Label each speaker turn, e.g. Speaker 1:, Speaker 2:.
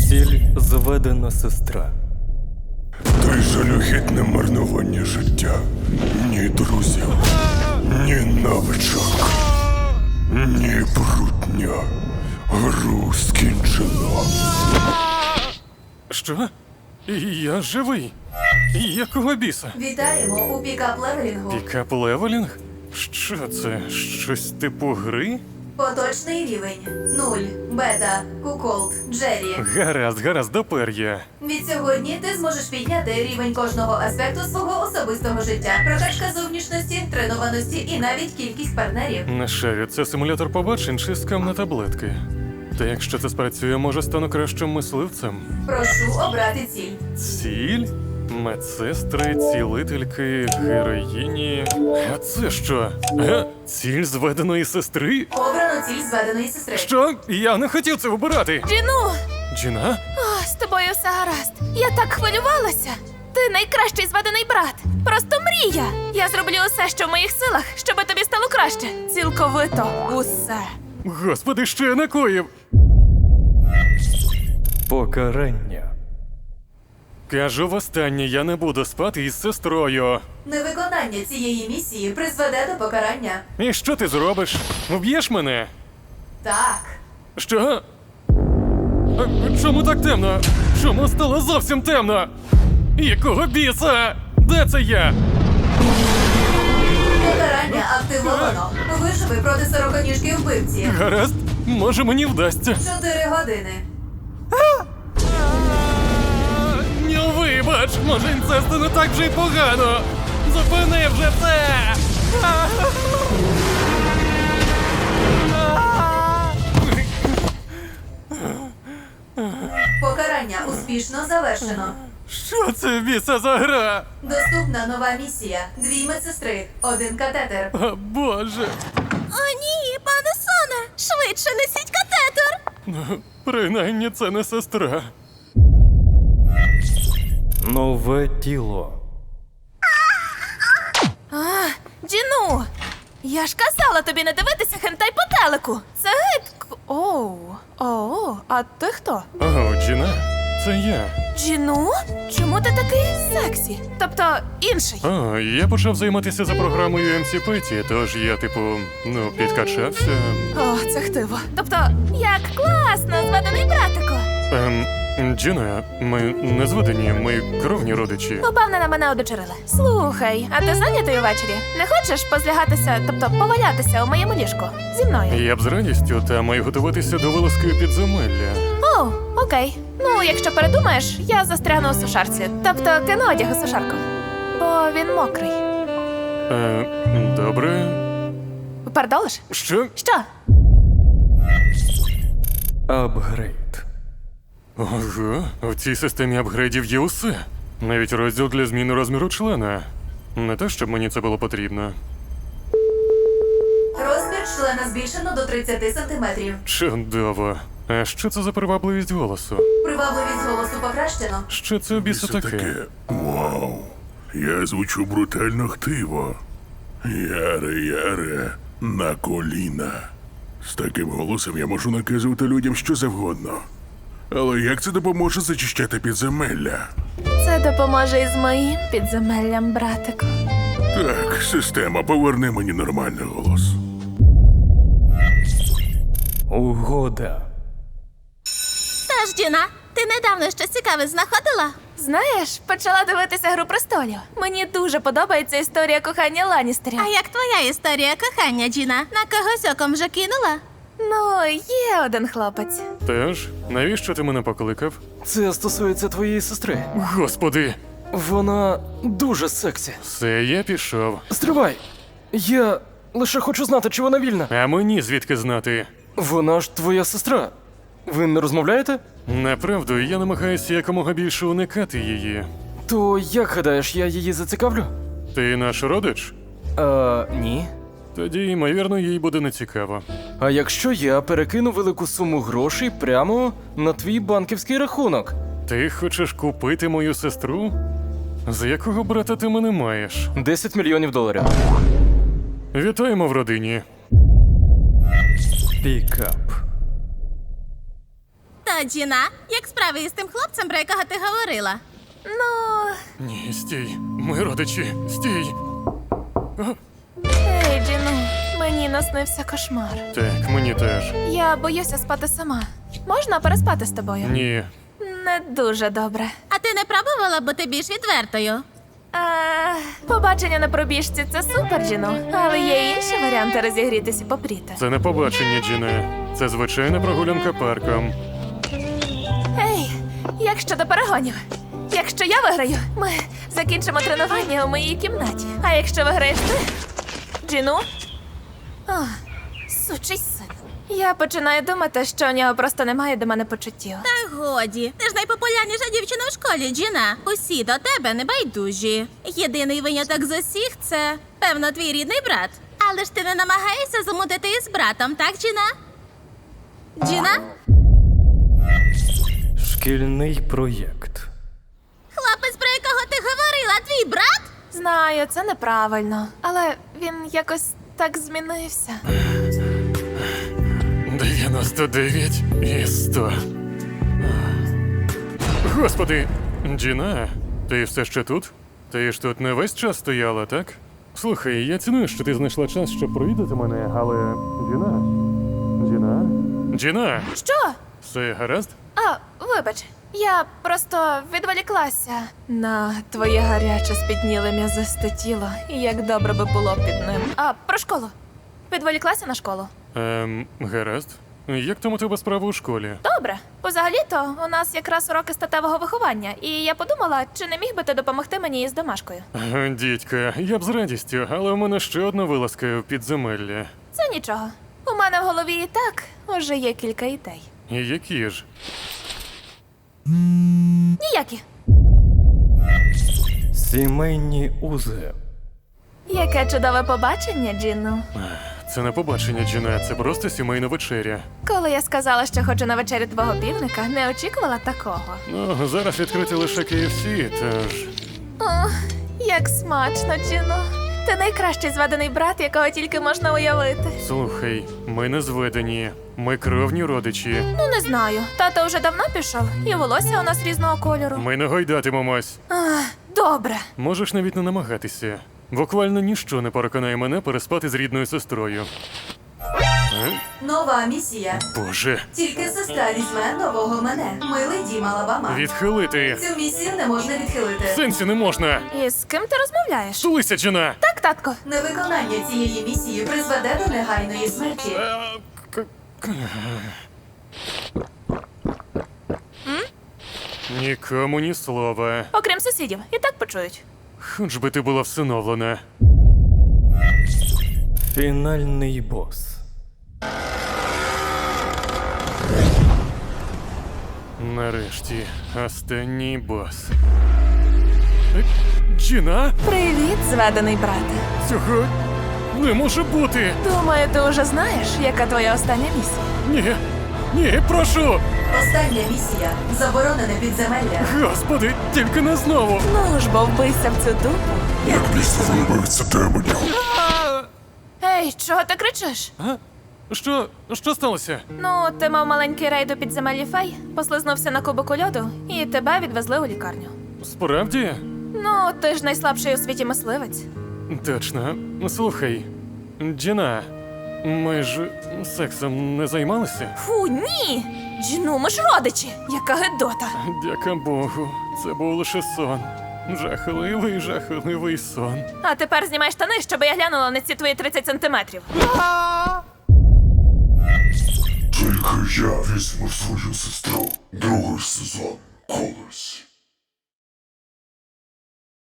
Speaker 1: Ціль зведена сестра.
Speaker 2: Ти жалюгідне марнування життя. Ні друзів, ні навичок, ні брудня. Гру скінчено.
Speaker 3: Що? Я живий. Якого біса?
Speaker 4: Вітаємо у пікап-левелінгу.
Speaker 3: Пікап-левелінг? Що це? Щось типу гри?
Speaker 4: Поточний рівень 0. Бета, Куколд, Джері.
Speaker 3: Гаразд, допер я.
Speaker 4: Від сьогодні ти зможеш підняти рівень кожного аспекту свого особистого життя. Прокачка зовнішності, тренованості і навіть кількість партнерів.
Speaker 3: Не шарю, це симулятор побачень чи скам на таблетки. Та якщо це спрацює, може стану кращим мисливцем.
Speaker 4: Прошу обрати ціль.
Speaker 3: Ціль? Медсестри, цілительки, героїні. А це що? Ціль зведеної сестри?
Speaker 4: Обрано ціль зведеної сестри.
Speaker 3: Що? Я не хотів це обирати.
Speaker 5: Джину!
Speaker 3: Джіна?
Speaker 5: О, з тобою все гаразд. Я так хвилювалася. Ти найкращий зведений брат. Просто мрія. Я зроблю усе, що в моїх силах, щоб тобі стало краще. Цілковито усе.
Speaker 3: Господи, що я накоїв?
Speaker 1: Покарання.
Speaker 3: Кажу востаннє, я не буду спати із сестрою.
Speaker 4: Невиконання цієї місії призведе до покарання.
Speaker 3: І що ти зробиш? Вб'єш мене?
Speaker 4: Так.
Speaker 3: Що? Чому так темно? Чому стало зовсім темно? Якого біса? Де це я?
Speaker 4: Покарання активовано. Виживи проти сороконіжки вбивці.
Speaker 3: Гаразд, може мені вдасться.
Speaker 4: 4 години.
Speaker 3: Ну вибач, може інцесту не так вже й погано. Зупини вже це!
Speaker 4: Покарання успішно завершено.
Speaker 3: Що це біса за гра?
Speaker 4: Доступна нова місія. 2 медсестри, 1 катетер.
Speaker 3: О, Боже.
Speaker 5: О, ні, пане Соне! Швидше несіть катетер!
Speaker 3: Ну, принаймні це не сестра.
Speaker 1: Нове тіло.
Speaker 5: Джину! Я ж казала тобі не дивитися хентай по телеку. Це гидко. Оу, а ти хто?
Speaker 3: О, Джіна, це я.
Speaker 5: Джину? Чому ти такий сексі? Тобто інший.
Speaker 3: О, я почав займатися за програмою MC Petty, тож я, підкачався.
Speaker 5: О, це хтиво. Тобто, як класно, зведений братику.
Speaker 3: Джіна, ми не зведені, ми кровні родичі.
Speaker 5: Попевне, мене одочерили. Слухай, а ти зайнятий увечері? Не хочеш позлягатися, тобто повалятися у моєму ліжку? Зі мною?
Speaker 3: Я б з радістю, та маю готуватися до вилазки підземелля.
Speaker 5: О, окей. Ну, якщо передумаєш, я застрягну у сушарці. Тобто кину одяг у сушарку. Бо він мокрий.
Speaker 3: Добре.
Speaker 5: Пердолиш?
Speaker 3: Що?
Speaker 5: Що?
Speaker 1: Апгрейд.
Speaker 3: Ого, в цій системі апгрейдів є усе. Навіть розділ для зміни розміру члена. Не те, щоб мені це було потрібно.
Speaker 4: Розмір члена збільшено до 30 сантиметрів.
Speaker 3: Чудово. А що це за привабливість голосу?
Speaker 4: Привабливість голосу покращено.
Speaker 3: Що це в біса таке?
Speaker 2: Вау. Я звучу брутально хтиво. Яре, на коліна. З таким голосом я можу наказувати людям що завгодно. Але як це допоможе зачищати підземелля?
Speaker 5: Це допоможе із моїм підземеллям, братику.
Speaker 2: Так, система, поверни мені нормальний голос.
Speaker 1: Угода.
Speaker 5: Тож, Джіна, ти недавно щось цікаве знаходила? Знаєш, почала дивитися «Гру престолів». Мені дуже подобається історія кохання Ланністерів.
Speaker 6: А як твоя історія кохання, Джіна? На когось оком вже кинула?
Speaker 5: Ну, є один хлопець.
Speaker 3: Теж? Навіщо ти мене покликав?
Speaker 1: Це стосується твоєї сестри.
Speaker 3: Господи!
Speaker 1: Вона дуже сексі.
Speaker 3: Все, я пішов.
Speaker 1: Стривай! Я лише хочу знати, чи вона вільна.
Speaker 3: А мені звідки знати?
Speaker 1: Вона ж твоя сестра. Ви не розмовляєте?
Speaker 3: Направду, я намагаюся якомога більше уникати її.
Speaker 1: То як гадаєш, я її зацікавлю?
Speaker 3: Ти наш родич?
Speaker 1: Ні.
Speaker 3: Тоді, ймовірно, їй буде нецікаво.
Speaker 1: А якщо я перекину велику суму грошей прямо на твій банківський рахунок?
Speaker 3: Ти хочеш купити мою сестру? За якого брата ти мене маєш?
Speaker 1: 10 мільйонів доларів.
Speaker 3: Вітаємо в родині.
Speaker 1: Пікап.
Speaker 6: Так, Алло, Джіна, як справи із тим хлопцем, про якого ти говорила?
Speaker 5: Ну,
Speaker 3: Ні, стій. Ми родичі. Стій.
Speaker 5: ей, Джіну, мені наснився кошмар.
Speaker 3: Так, мені теж.
Speaker 5: Я боюся спати сама. Можна переспати з тобою?
Speaker 3: Ні.
Speaker 5: Не дуже добре.
Speaker 6: А ти не пробувала бути більш відвертою?
Speaker 5: Побачення на пробіжці це супер, Джіну. Але є інші варіанти розігрітися і попріти.
Speaker 3: Це не побачення, Джіне. Це звичайна прогулянка парком.
Speaker 5: Ей, як щодо перегонів? Якщо я виграю, ми закінчимо тренування у моїй кімнаті. А якщо виграєш ти, Джіну? О, сучий син. Я починаю думати, що у нього просто немає до мене почуттів.
Speaker 6: Та годі, ти ж найпопулярніша дівчина в школі, Джіна. Усі до тебе небайдужі. Єдиний виняток з усіх – це, певно, твій рідний брат. Але ж ти не намагаєшся замутити із братом, так, Джіна? Джіна?
Speaker 7: Шкільний проєкт.
Speaker 6: Хлопець, про якого ти говорила, твій брат?
Speaker 5: Знаю, це неправильно, але він якось так змінився.
Speaker 3: 99 і 100. Господи! Джіна, ти все ще тут? Ти ж тут не весь час стояла, так? Слухай, я ціную, що ти знайшла час, щоб провідати мене, але... Джіна?
Speaker 5: Що?
Speaker 3: Все гаразд?
Speaker 5: А, вибач, я просто відволіклася на твоє гаряче спітніле м'язисте тіло, і як добре би було під ним. А, про школу. Відволіклася на школу.
Speaker 3: Гаразд. Як там у тебе справа у школі?
Speaker 5: Добре. Взагалі-то у нас якраз уроки статевого виховання, і я подумала, чи не міг би ти допомогти мені із домашкою.
Speaker 3: Дідька, я б з радістю, але у мене ще одна вилазка в підземелля.
Speaker 5: Це нічого. У мене в голові і так уже є кілька ідей.
Speaker 3: І які ж?
Speaker 5: Ніякі.
Speaker 7: Сімейні узи.
Speaker 5: Яке чудове побачення, Джінну.
Speaker 3: Це не побачення, Джіна, це просто сімейна вечеря.
Speaker 5: Коли я сказала, що хочу на вечерю твого півника, не очікувала такого.
Speaker 3: Ну, зараз відкрити лише KFC, тож...
Speaker 5: О, як смачно, Джіно. Ти найкращий зведений брат, якого тільки можна уявити.
Speaker 3: Слухай, ми не зведені. Ми кровні родичі.
Speaker 5: Ну, не знаю. Тато вже давно пішов, і волосся у нас різного кольору.
Speaker 3: Ми не гойдатимемось.
Speaker 5: Добре.
Speaker 3: Можеш навіть не намагатися. Буквально ніщо не переконає мене переспати з рідною сестрою.
Speaker 4: Нова місія.
Speaker 3: Боже,
Speaker 4: Тільки сестра візьме нового мене. Милий дім Алабама.
Speaker 3: відхилити.
Speaker 4: Цю місію не можна відхилити.
Speaker 3: В сенсі не можна.
Speaker 5: І з ким ти розмовляєш?
Speaker 3: Тулися, Джіна!
Speaker 5: Так, татко.
Speaker 4: Невиконання цієї місії призведе до негайної смерті.
Speaker 3: Нікому ні слова.
Speaker 5: Окрім сусідів. І так почують.
Speaker 3: Хоч би ти була всиновлена.
Speaker 7: Фінальний бос.
Speaker 3: Нарешті, останній бос. Джіна?
Speaker 5: Привіт, зведений брате.
Speaker 3: Цього не може бути!
Speaker 5: Думаю, ти вже знаєш, яка твоя остання місія.
Speaker 3: Ні, прошу!
Speaker 4: Остання місія. Заборонене підземелля.
Speaker 3: Господи, тільки не знову!
Speaker 5: Ну ж, бо вбийся в цю дупу.
Speaker 2: Як місце вибивиться демонів.
Speaker 5: Ей, чого ти кричиш?
Speaker 3: Що сталося?
Speaker 5: Ну, ти мав маленький рейд у підземеллі фей, послизнувся на кубику льоду, і тебе відвезли у лікарню.
Speaker 3: Справді?
Speaker 5: Ну, ти ж найслабший у світі мисливець.
Speaker 3: Точно. Слухай, Джіна, ми ж сексом не займалися?
Speaker 5: Фу, ні! Джину, ми ж родичі! Яка гидота!
Speaker 3: Дяка Богу, це був лише сон. Жахливий сон.
Speaker 5: А тепер знімай штани, щоб я глянула на ці твої 30 сантиметрів.
Speaker 2: Тільки я візьму свою сестру. Другий сезон. Колись.